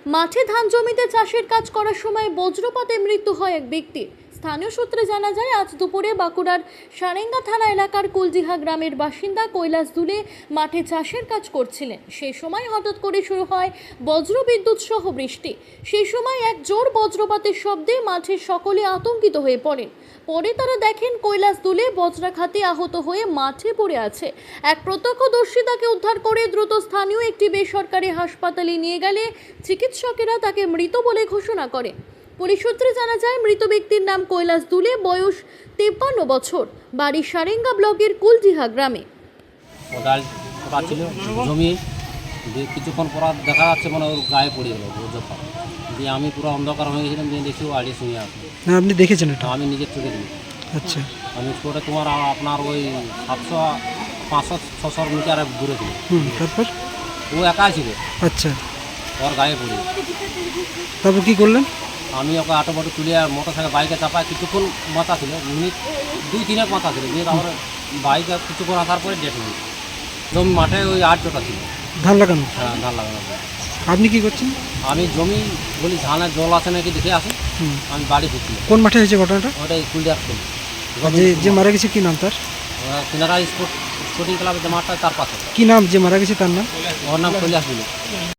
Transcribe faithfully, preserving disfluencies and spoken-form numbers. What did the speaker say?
মাঠে ধান জমিতে চাষের কাজ করার সময় বজ্রপাতে মৃত্যু হয় এক ব্যক্তির। স্থানীয় সূত্রে জানা যায়, আজ দুপুরে বাঁকুড়ার সারেঙ্গা থানা এলাকার কুলজিহা গ্রামের বাসিন্দা কৈলাস দুলে মাঠে চাষের কাজ করছিলেন। সেই সময় হঠাৎ করে শুরু হয় বজ্রবিদ্যুৎ সহ বৃষ্টি। সেই সময় এক জোর বজ্রপাতের শব্দে মাঠের সকলে আতঙ্কিত হয়ে পড়েন। পরে তারা দেখেন কৈলাস দুলে বজ্রাঘাতে আহত হয়ে মাঠে পড়ে আছে। এক প্রত্যক্ষদর্শী তাকে উদ্ধার করে দ্রুত স্থানীয় একটি বেসরকারি হাসপাতালে নিয়ে গেলে চিকিৎসকেরা তাকে মৃত বলে ঘোষণা করে। পুলিশ সূত্রে জানা যায়, মৃত ব্যক্তির নাম কৈলাস দুলে, বয়স তেপ্পান্ন বছর, বাড়ি সারেঙ্গা ব্লকের কুলজিহা গ্রামে। কোদাল পোকা ছিল জমি দিয়ে কিছুক্ষণ পর দেখা যাচ্ছে মানে ওর গায়ে পড়ে গেল বজ্রপাত দিয়ে। আমি পুরো অন্ধকার হয়ে গেছিলাম, দিয়ে দেখি ও আড়িয়ে শুয়ে আসলো। না, আপনি দেখেছেন এটা? আমি নিজের চোখে দিই। আচ্ছা, আমি করে তোমার আপনার ওই সাতশো পাঁচশো ছশো মিটার দূরে ছিল। হুম, তারপর? ও একাই ছিল। আচ্ছা, ওর গায়ে পড়ে। তারপর কি করলেন? আমি ওকে আটো বাটো তুলে মোটর সাইকেল বাইকে চাপায় কিছুক্ষণ মাথা ছিল, মিনিট দুই তিনেক মাথা ছিল, দিয়ে তারপরে বাইকে কিছুক্ষণ আসার পরে ডেট মিনিট জমি মাঠে ওই আট চোটা ছিল। ধান লাগানো? হ্যাঁ, ধান লাগানো। আপনি কি করছেন? আমি জমি বলি ধানের জল আছে নাকি দেখে আসি। হুম, আমি বাড়ি ফিরছি। কোন মাঠে হয়েছে ঘটনাটা? ওটাই কুলিয়ার ছিল। যে যে মারা গেছে কি নাম তার? কিনারা স্পোর্ট স্পোর্টিং ক্লাবের যে মাঠটা তার পাশে। কি নাম যে মারা গেছে তার নাম? ওর নাম কৈলাস দুলে।